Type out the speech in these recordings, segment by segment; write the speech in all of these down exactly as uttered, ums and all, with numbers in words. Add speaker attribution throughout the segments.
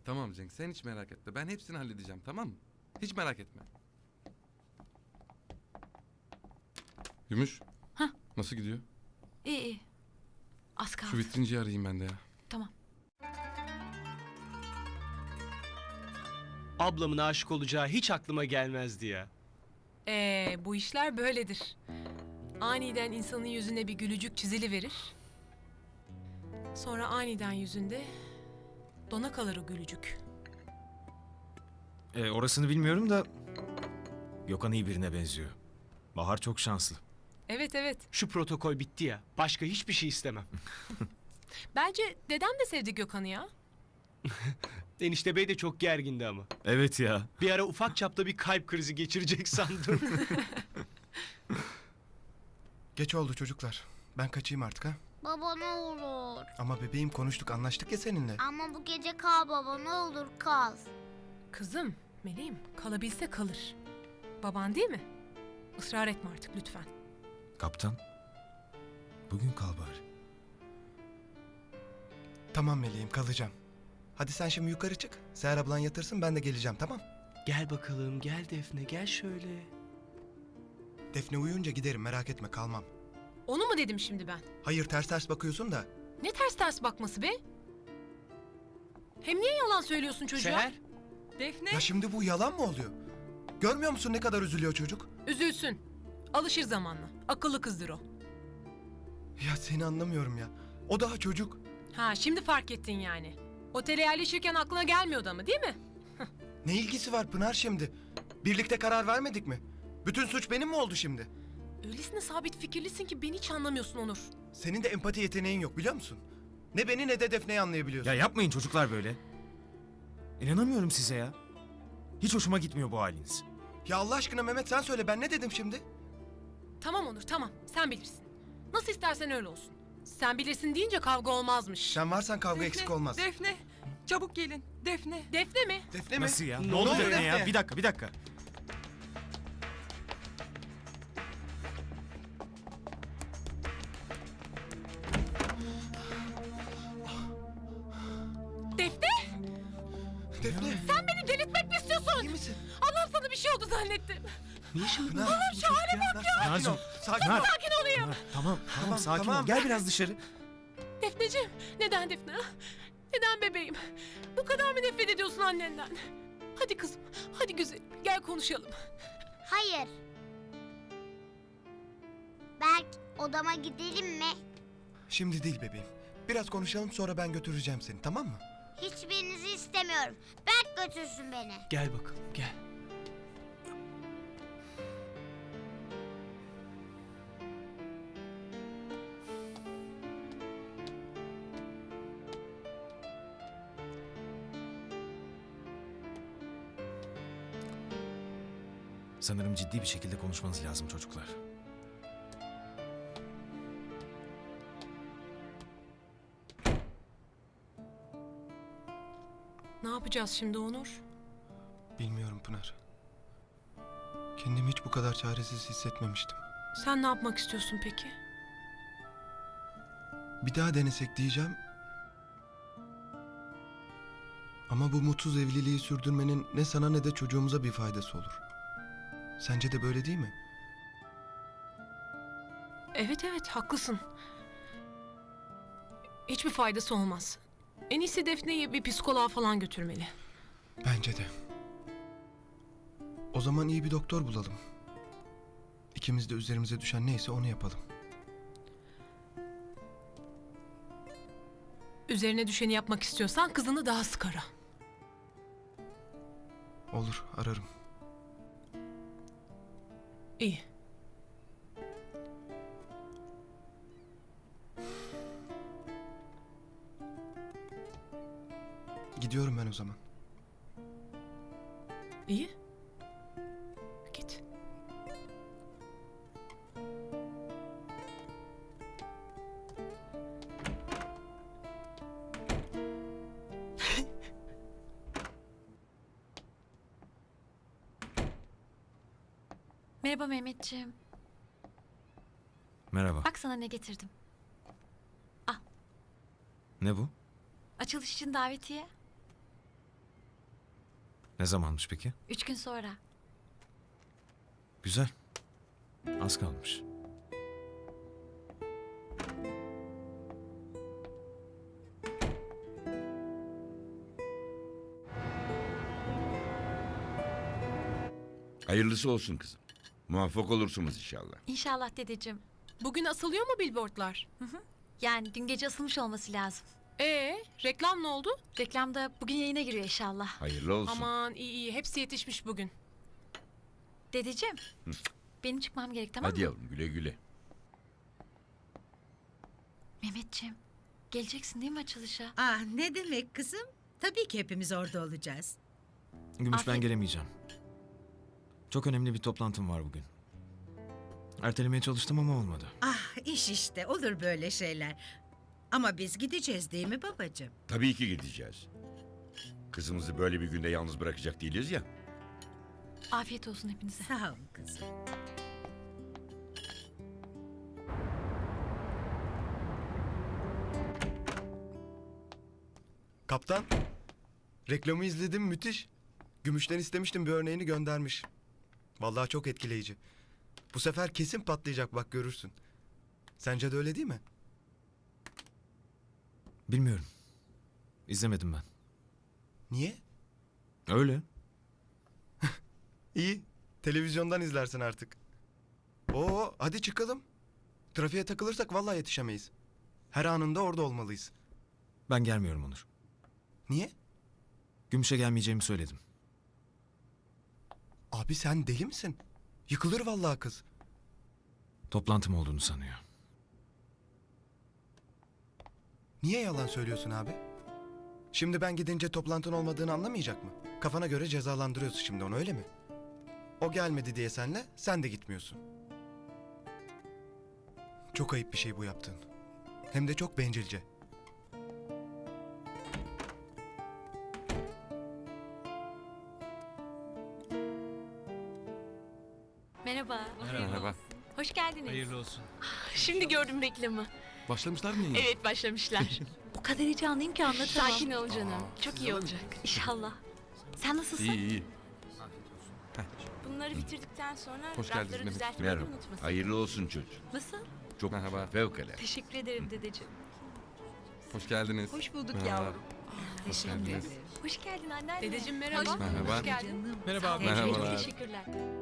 Speaker 1: Tamam Cenk, sen hiç merak etme. Ben hepsini halledeceğim, tamam mı? Hiç merak etme. Gümüş.
Speaker 2: Hah.
Speaker 1: Nasıl gidiyor?
Speaker 2: İyi iyi. Az kaldı.
Speaker 1: Şu vitrinciyi arayayım ben de ya.
Speaker 2: Tamam.
Speaker 3: Ablamın aşık olacağı hiç aklıma gelmezdi ya.
Speaker 4: Ee, bu işler böyledir. Aniden insanın yüzüne bir gülücük çiziliverir. Sonra aniden yüzünde dona kalır o gülücük.
Speaker 5: E, orasını bilmiyorum da Gökhan iyi birine benziyor. Bahar çok şanslı.
Speaker 4: Evet evet.
Speaker 3: Şu protokol bitti ya. Başka hiçbir şey istemem.
Speaker 4: Bence dedem de sevdi Gökhan'ı ya.
Speaker 3: Enişte Bey de çok gergindi ama.
Speaker 5: Evet ya.
Speaker 3: Bir ara ufak çapta bir kalp krizi geçirecek sandım.
Speaker 6: Geç oldu çocuklar. Ben kaçayım artık ha.
Speaker 7: Baba ne olur.
Speaker 6: Ama bebeğim konuştuk, anlaştık ya seninle.
Speaker 7: Ama bu gece kal baba, ne olur kal.
Speaker 4: Kızım, meleğim, kalabilse kalır. Baban değil mi? Israr etme artık lütfen.
Speaker 5: Kaptan. Bugün kal bari.
Speaker 6: Tamam meleğim, kalacağım. Hadi sen şimdi yukarı çık. Seher ablan yatırsın, ben de geleceğim, tamam?
Speaker 3: Gel bakalım, gel Defne, gel şöyle.
Speaker 6: Defne uyuyunca giderim, merak etme, kalmam.
Speaker 4: Onu mu dedim şimdi ben?
Speaker 6: Hayır, ters ters bakıyorsun da.
Speaker 4: Ne ters ters bakması be? Hem niye yalan söylüyorsun çocuğa?
Speaker 3: Seher,
Speaker 4: Defne.
Speaker 6: Ya şimdi bu yalan mı oluyor? Görmüyor musun ne kadar üzülüyor çocuk?
Speaker 4: Üzülsün. Alışır zamanla. Akıllı kızdır o.
Speaker 6: Ya seni anlamıyorum ya. O daha çocuk.
Speaker 4: Ha şimdi fark ettin yani. Otele yerleşirken aklına gelmiyordu ama değil mi?
Speaker 6: Ne ilgisi var Pınar şimdi? Birlikte karar vermedik mi? Bütün suç benim mi oldu şimdi?
Speaker 4: Öylesine sabit fikirlisin ki beni hiç anlamıyorsun Onur.
Speaker 6: Senin de empati yeteneğin yok, biliyor musun? Ne beni ne de Defne'yi anlayabiliyorsun.
Speaker 5: Ya yapmayın çocuklar böyle. İnanamıyorum size ya. Hiç hoşuma gitmiyor bu haliniz.
Speaker 6: Ya Allah aşkına Mehmet, sen söyle, ben ne dedim şimdi?
Speaker 4: Tamam Onur tamam sen bilirsin. Nasıl istersen öyle olsun. Sen bilirsin deyince kavga olmazmış.
Speaker 6: Sen varsan kavga eksik olmaz.
Speaker 8: Defne, çabuk gelin. Defne.
Speaker 4: Defne mi?
Speaker 6: Defne mi?
Speaker 5: Nasıl ya?
Speaker 6: Ne
Speaker 5: Ne oldu
Speaker 6: oluyor
Speaker 5: Defne ya?
Speaker 6: Defne?
Speaker 5: Bir dakika bir dakika.
Speaker 4: Defne?
Speaker 6: Defne.
Speaker 4: Sen beni delirtmek mi istiyorsun?
Speaker 6: İyi misin?
Speaker 4: Allah'ım sana bir şey oldu zannettim.
Speaker 3: ne işin var?
Speaker 6: Pınar, bu çocuk ya. Sakin
Speaker 5: Nazım,
Speaker 6: ol. Sakin
Speaker 5: Pınar.
Speaker 6: ol.
Speaker 4: Sakin olayım.
Speaker 5: Tamam tamam,
Speaker 6: Tamam,
Speaker 5: sakin
Speaker 6: tamam.
Speaker 5: ol. Gel biraz dışarı.
Speaker 4: Defneciğim neden Defne? ha? Neden bebeğim? Bu kadar mı nefret ediyorsun annenden? Hadi kızım, hadi güzelim. Gel konuşalım.
Speaker 7: Hayır. Berk, odama gidelim mi?
Speaker 6: Şimdi değil bebeğim. Biraz konuşalım, sonra ben götüreceğim seni, tamam mı?
Speaker 7: Hiçbirinizi istemiyorum. Berk götürsün beni.
Speaker 3: Gel bakalım, gel.
Speaker 5: Sanırım ciddi bir şekilde konuşmanız lazım çocuklar.
Speaker 4: Ne yapacağız şimdi Onur?
Speaker 6: Bilmiyorum Pınar. Kendimi hiç bu kadar çaresiz hissetmemiştim.
Speaker 4: Sen ne yapmak istiyorsun peki?
Speaker 6: Bir daha denesek diyeceğim. Ama bu mutsuz evliliği sürdürmenin ne sana ne de çocuğumuza bir faydası olur. Sence de böyle değil mi?
Speaker 4: Evet evet haklısın. Hiçbir faydası olmaz. En iyisi Defne'yi bir psikoloğa falan götürmeli.
Speaker 6: Bence de. O zaman iyi bir doktor bulalım. İkimiz de üzerimize düşen neyse onu yapalım.
Speaker 4: Üzerine düşeni yapmak istiyorsan kızını daha sık ara.
Speaker 6: Olur, ararım.
Speaker 4: İyi.
Speaker 6: Gidiyorum ben o zaman.
Speaker 4: İyi. Git.
Speaker 2: Merhaba Mehmetciğim.
Speaker 5: Merhaba.
Speaker 2: Bak sana ne getirdim.
Speaker 5: Ne bu?
Speaker 2: Açılış için davetiye.
Speaker 5: Ne zamanmış peki?
Speaker 2: Üç gün sonra.
Speaker 5: Güzel. Az kalmış.
Speaker 9: Hayırlısı olsun kızım. Muvaffak olursunuz inşallah.
Speaker 2: İnşallah dedeciğim.
Speaker 4: Bugün asılıyor mu billboardlar?
Speaker 2: Yani dün gece asılmış olması lazım.
Speaker 4: Ee, reklam ne oldu?
Speaker 2: Reklamda bugün yayına giriyor inşallah.
Speaker 9: Hayırlı olsun.
Speaker 4: Aman iyi iyi hepsi yetişmiş bugün.
Speaker 2: Dedeciğim. Benim çıkmam gerek tamam
Speaker 9: Hadi
Speaker 2: mı?
Speaker 9: yavrum güle güle.
Speaker 2: Mehmetciğim. Geleceksin değil mi açılışa?
Speaker 10: Ah ne demek kızım? Tabii ki hepimiz orada olacağız.
Speaker 5: Gümüş ben
Speaker 2: Afiyet-
Speaker 5: gelemeyeceğim. Çok önemli bir toplantım var bugün. Ertelemeye çalıştım ama olmadı.
Speaker 10: Ah iş işte olur böyle şeyler. Ama biz gideceğiz değil mi babacığım?
Speaker 9: Tabii ki gideceğiz. Kızımızı böyle bir günde yalnız bırakacak değiliz ya.
Speaker 2: Afiyet olsun hepinize.
Speaker 10: Sağ ol kızım.
Speaker 6: Kaptan, reklamı izledim, müthiş. Gümüşten istemiştim, bir örneğini göndermiş. Vallahi çok etkileyici. Bu sefer kesin patlayacak, bak görürsün. Sence de öyle değil mi?
Speaker 5: Bilmiyorum. İzlemedim ben.
Speaker 6: Niye?
Speaker 5: Öyle.
Speaker 6: İyi, televizyondan izlersin artık. Oo, hadi çıkalım. Trafiğe takılırsak vallahi yetişemeyiz. Her anında orada olmalıyız.
Speaker 5: Ben gelmiyorum Onur.
Speaker 6: Niye?
Speaker 5: Gümüş'e gelmeyeceğimi söyledim.
Speaker 6: Abi sen deli misin? Yıkılır vallahi kız.
Speaker 5: Toplantım olduğunu sanıyor.
Speaker 6: Niye yalan söylüyorsun abi? Şimdi ben gidince toplantın olmadığını anlamayacak mı? Kafana göre cezalandırıyorsun şimdi onu, öyle mi? O gelmedi diye senle, sen de gitmiyorsun. Çok ayıp bir şey bu yaptığın. Hem de çok bencilce.
Speaker 2: Merhaba.
Speaker 1: Merhaba.
Speaker 2: Hoş geldiniz.
Speaker 3: Hayırlı olsun.
Speaker 4: Şimdi gördüm reklamı.
Speaker 1: Başlamışlar mı yayına?
Speaker 4: Evet başlamışlar.
Speaker 2: O kadar heyecanlıyım ki anlatamam.
Speaker 4: Sakin ol canım. Çok iyi olacak.
Speaker 2: İnşallah. Sen nasılsın?
Speaker 1: İyi iyi.
Speaker 11: Bunları bitirdikten sonra
Speaker 1: Hoş geldiniz
Speaker 11: rafları
Speaker 1: Mehmet.
Speaker 11: düzeltmeyi
Speaker 9: Merhaba.
Speaker 11: unutmasın.
Speaker 9: Hayırlı olsun çocuk.
Speaker 2: Nasıl?
Speaker 9: Çok
Speaker 1: Merhaba.
Speaker 9: fevkalade.
Speaker 2: Teşekkür ederim dedeciğim.
Speaker 1: Hoş geldiniz.
Speaker 2: Hoş bulduk
Speaker 1: Merhaba.
Speaker 2: yavrum.
Speaker 1: Hoş geldiniz.
Speaker 2: Hoş geldin anneanne.
Speaker 4: Dedeciğim merhaba.
Speaker 1: Merhaba.
Speaker 4: Hoş geldin.
Speaker 3: Merhaba abi.
Speaker 1: Merhabalar.
Speaker 2: Teşekkürler.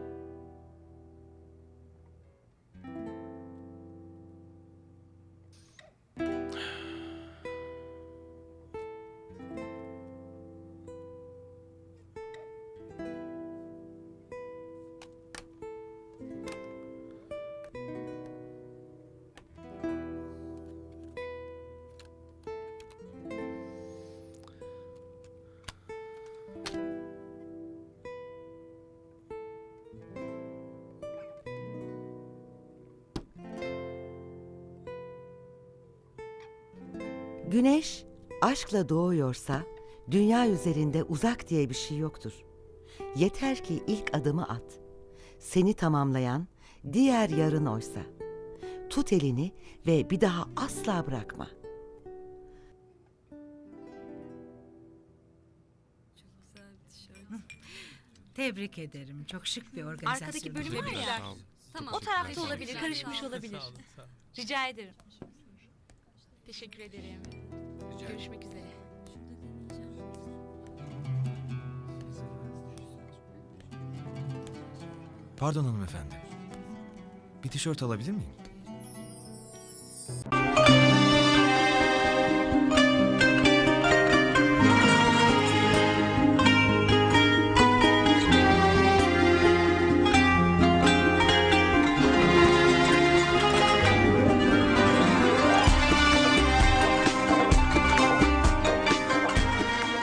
Speaker 12: Güneş aşkla doğuyorsa dünya üzerinde uzak diye bir şey yoktur. Yeter ki ilk adımı at. Seni tamamlayan diğer yarın oysa. Tut elini ve bir daha asla bırakma.
Speaker 10: Tebrik ederim. Çok şık bir organizasyon.
Speaker 2: Arkadaki bölüm var ya.
Speaker 1: Sağ olun.
Speaker 2: Tamam. O tarafta olabilir, karışmış olabilir. Rica ederim.
Speaker 4: Teşekkür ederim. Görüşmek üzere.
Speaker 5: Pardon hanımefendi. Bir tişört alabilir miyim?